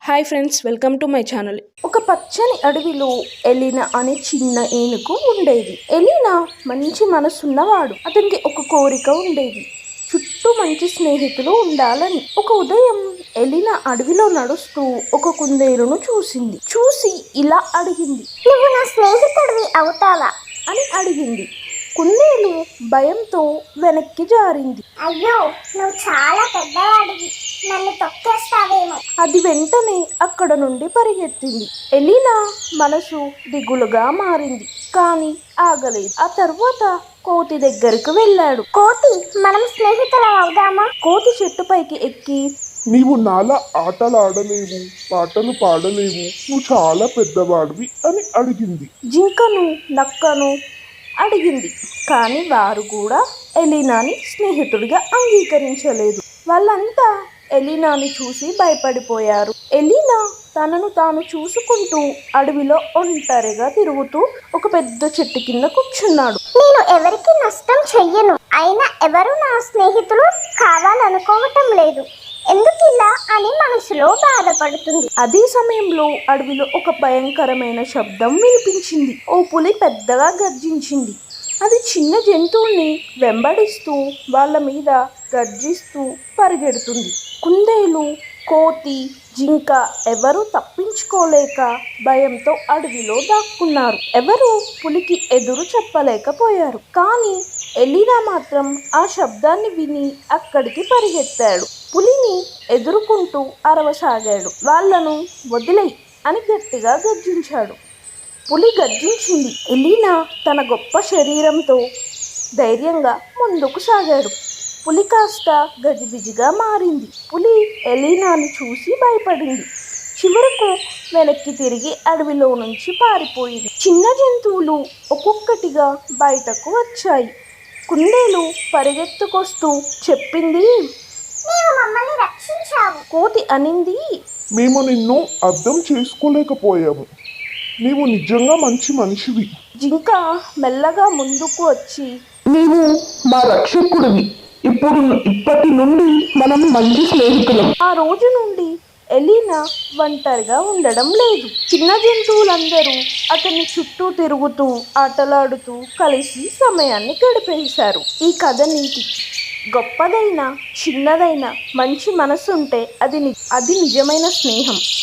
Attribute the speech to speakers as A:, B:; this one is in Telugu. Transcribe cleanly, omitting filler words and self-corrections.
A: Hi friends, welcome to my channel. ఒక పచ్చని అడవిలో ఎలీనా అనే చిన్న ఏనుగు ఉండేది. ఎలీనా మంచి మనసున్నవాడు. అతనికి ఒక కోరిక ఉండేది, చుట్టూ మంచి స్నేహితులు ఉండాలని. ఒక ఉదయం ఎలీనా అడవిలో నడుస్తూ ఒక కుందేలును చూసి ఇలా అడిగింది,
B: నువ్వు నా స్నేహితుడివి అవుతావా
A: అని అడిగింది. కుందేలు భయంతో వెనక్కి జారింది.
B: అయ్యో, నువ్వు చాలా పెద్దవాడివి, నన్ను తొక్కేస్తావేమో.
A: అది వెంటనే అక్కడ నుండి పరిగెత్తింది. ఎలీనా మనసు దిగులుగా మారింది, కానీ ఆగలేదు. ఆ తర్వాత కోతి దగ్గరకు వెళ్ళాడు.
B: కోతి, మనం స్నేహితులం అవుదామా?
A: కోతి చెట్టుపైకి ఎక్కి,
C: నీవు నాలా ఆటలాడలేవు, పాటలు పాడలేవు, నువ్వు చాలా పెద్దవాడివి అని అడిగింది.
A: జింకను నక్కను అడిగింది, కానీ వారు కూడా ఎలీనాని స్నేహితుడిగా అంగీకరించలేదు. వాళ్ళంతా ఎలీనాని చూసి భయపడిపోయారు. ఎలీనా తనను తాను చూసుకుంటూ అడవిలో ఒంటరిగా తిరుగుతూ ఒక పెద్ద చెట్టు కింద కూర్చున్నాడు.
B: నేను ఎవరికి నష్టం చెయ్యను, అయినా ఎవరు నా స్నేహితులు కావాలనుకోవటం లేదు, ఎందుకిలా అని మనసులో బాధపడుతుంది.
A: అదే సమయంలో అడవిలో ఒక భయంకరమైన శబ్దం వినిపించింది. ఓ పులి పెద్దగా గర్జించింది. అది చిన్న జంతువుల్ని వెంబడిస్తూ వాళ్ళ మీద గర్జిస్తూ పరిగెడుతుంది. కుందేలు, కోతి, జింక ఎవరూ తప్పించుకోలేక భయంతో అడవిలో దాక్కున్నారు. ఎవరూ పులికి ఎదురు చెప్పలేకపోయారు. కానీ ఎలీనా మాత్రం ఆ శబ్దాన్ని విని అక్కడికి పరిగెత్తాడు. పులిని ఎదుర్కొంటూ అరవసాగాడు. వాళ్లను వదిలేయ్ అని గట్టిగా గర్జించాడు. పులి గర్జించింది. ఎలీనా తన గొప్ప శరీరంతో ధైర్యంగా ముందుకు సాగాడు. పులి కాస్త గజిబిజిగా మారింది. పులి ఎలీనాని చూసి భయపడింది. చివరకు వెనక్కి తిరిగి అడవిలో నుంచి పారిపోయింది. చిన్న జంతువులు ఒక్కొక్కటిగా బయటకు వచ్చాయి. కుందేలు పరిగెత్తుకొస్తూ చెప్పింది,
B: నీవు మమ్మల్ని రక్షించావు.
A: కోతి అనింది,
C: మేము నిన్ను అర్థం చేసుకోలేకపోయాము, నీవు నిజంగా మంచి మనిషివి.
A: జింక మెల్లగా ముందుకు వచ్చి,
D: నీవు మా రక్షకుడివి, ఇప్పటి నుండి మనం మంచి స్నేహితులం.
A: ఆ రోజు నుండి ఎలీనా ఒంటరిగా ఉండడం లేదు. చిన్న జంతువులందరూ అతని చుట్టూ తిరుగుతూ ఆటలాడుతూ కలిసి సమయాన్ని గడిపేశారు. ఈ కథ నీతి, గొప్పదైన చిన్నదైన మంచి మనసుంటే అది నిజమైన స్నేహం.